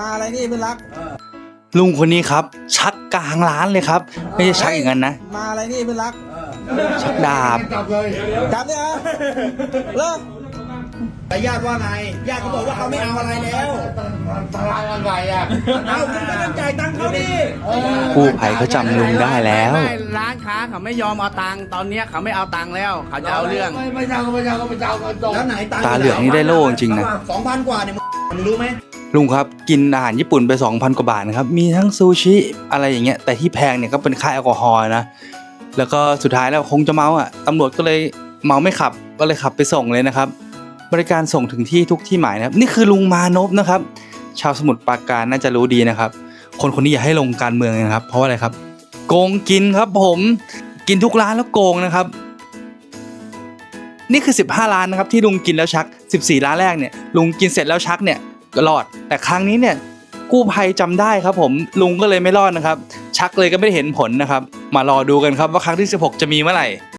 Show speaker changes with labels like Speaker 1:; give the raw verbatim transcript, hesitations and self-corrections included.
Speaker 1: มาอะไรนี่เพื่อนรัก
Speaker 2: ลุงคนนี้ครับชักกลางร้านเลยครับไม่ใช่ชักอย่างนั้นนะ
Speaker 1: มาอะไรนี่เพื่อนรัก
Speaker 2: ชักดาบ
Speaker 1: จับเลยจับเนี่ยเหรอแต่ญาติว่าไงญาติเขาบอกว่าเขาไม่เอาอะไรแล้ว
Speaker 3: ตลาดอะไรอ่ะ
Speaker 1: เอาคุณก็ต้องจ่ายตังค์เขาดิ
Speaker 2: กู้ภัยเขาจำลุงได้แล้ว
Speaker 4: ร้านค้าเขาไม่ยอมเอาตังค์ตอนนี้เขาไม่เอาตังค์แล้วเขาจะเอาเรื่อง
Speaker 3: ไม่ไม่เจ้าก็ไม่เจ้าก็ไม่เจ้าก็จบ
Speaker 1: แล้วไหนตังค์
Speaker 2: ตาเหลืองนี่ได้โล่จริงๆนะ
Speaker 1: สองพันกว่าเนี่ยมึงรู้ไหม
Speaker 2: ลุงครับกินอาหารญี่ปุ่นไป สองพัน กว่าบาทนะครับมีทั้งซูชิอะไรอย่างเงี้ยแต่ที่แพงเนี่ยก็เป็นค่าแอลกอฮอล์นะแล้วก็สุดท้ายแล้วคงจะเมาอ่ะตำรวจก็เลยเมาไม่ขับก็เลยขับไปส่งเลยนะครับบริการส่งถึงที่ทุกที่หมายนะครับนี่คือลุงมานพนะครับชาวสมุทรปราการน่าจะรู้ดีนะครับคนคนนี้อย่าให้ลงการเมืองนะครับเพราะอะไรครับโกงกินครับผมกินทุกร้านแล้วโกงนะครับนี่คือสิบห้าร้านนะครับที่ลุงกินแล้วชักสิบสี่ร้านแรกเนี่ยลุงกินเสร็จแล้วชักเนี่ยก็รอดแต่ครั้งนี้เนี่ยกู้ภัยจำได้ครับผมลุงก็เลยไม่รอดนะครับชักเลยก็ไม่ได้เห็นผลนะครับมารอดูกันครับว่าครั้งที่สิบหกจะมีเมื่อไหร่